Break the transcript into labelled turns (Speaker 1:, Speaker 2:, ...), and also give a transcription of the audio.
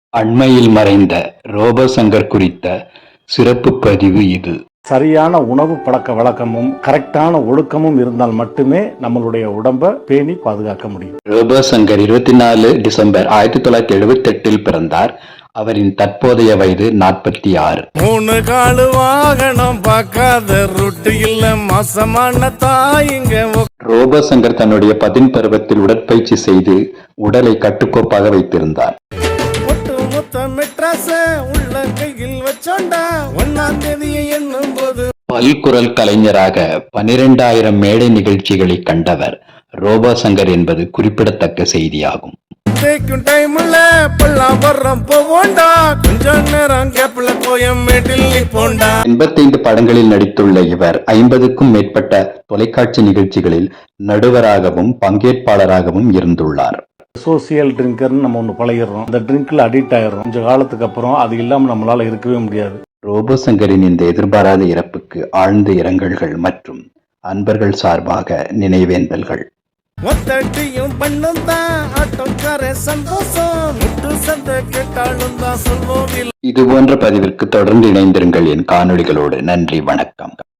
Speaker 1: அண்மையில் மறைந்த ரோபோசங்கர் குறித்த சிறப்பு பதிவு இது.
Speaker 2: சரியான உணவு பழக்க வழக்கமும் கரெக்டான ஒழுக்கமும் இருந்தால் மட்டுமே நம்மளுடைய உடம்பை பேணி பாதுகாக்க முடியும்.
Speaker 1: ரோபோசங்கர் 24 டிசம்பர் 1978 பிறந்தார். அவரின் தற்போதைய வயது 46.
Speaker 3: 3 காலு வாகனம் பார்க்காத ரொட்டு இல்ல மாசமான தாயிங்க.
Speaker 1: ரோபோசங்கர் தன்னுடைய 10 பருவத்தில் உடற்பயிற்சி செய்து உடலை கட்டுக்கோப்பாக வைத்திருந்தார். பல்குரல் கலைஞராக 12,000 மேடை நிகழ்ச்சிகளை கண்டவர் ரோபோசங்கர் என்பது குறிப்பிடத்தக்க செய்தியாகும். 85 படங்களில் நடித்துள்ள இவர் 50க்கும் மேற்பட்ட தொலைக்காட்சி நிகழ்ச்சிகளில் நடுவராகவும் பங்கேற்பாளராகவும் இருந்துள்ளார்.
Speaker 2: சோசியல் ட்ரிங்கர்னு நம்ம ஒன்று பழகிடுறோம். அந்த ட்ரிங்க்ல அடிக்ட் ஆயிடுறோம். கொஞ்ச காலத்துக்கு அப்புறம் அது இல்லாமல் நம்மளால இருக்கவே முடியாது.
Speaker 1: ரோபோசங்கரின் இந்த எதிர்பாராத இறப்புக்கு ஆழ்ந்த இரங்கல்கள் மற்றும் அன்பர்கள் சார்பாக நினைவேந்தல்கள். இது போன்ற பதிவிற்கு தொடர்ந்து இணைந்திருங்கள் என் காணொளிகளோடு. நன்றி, வணக்கம்.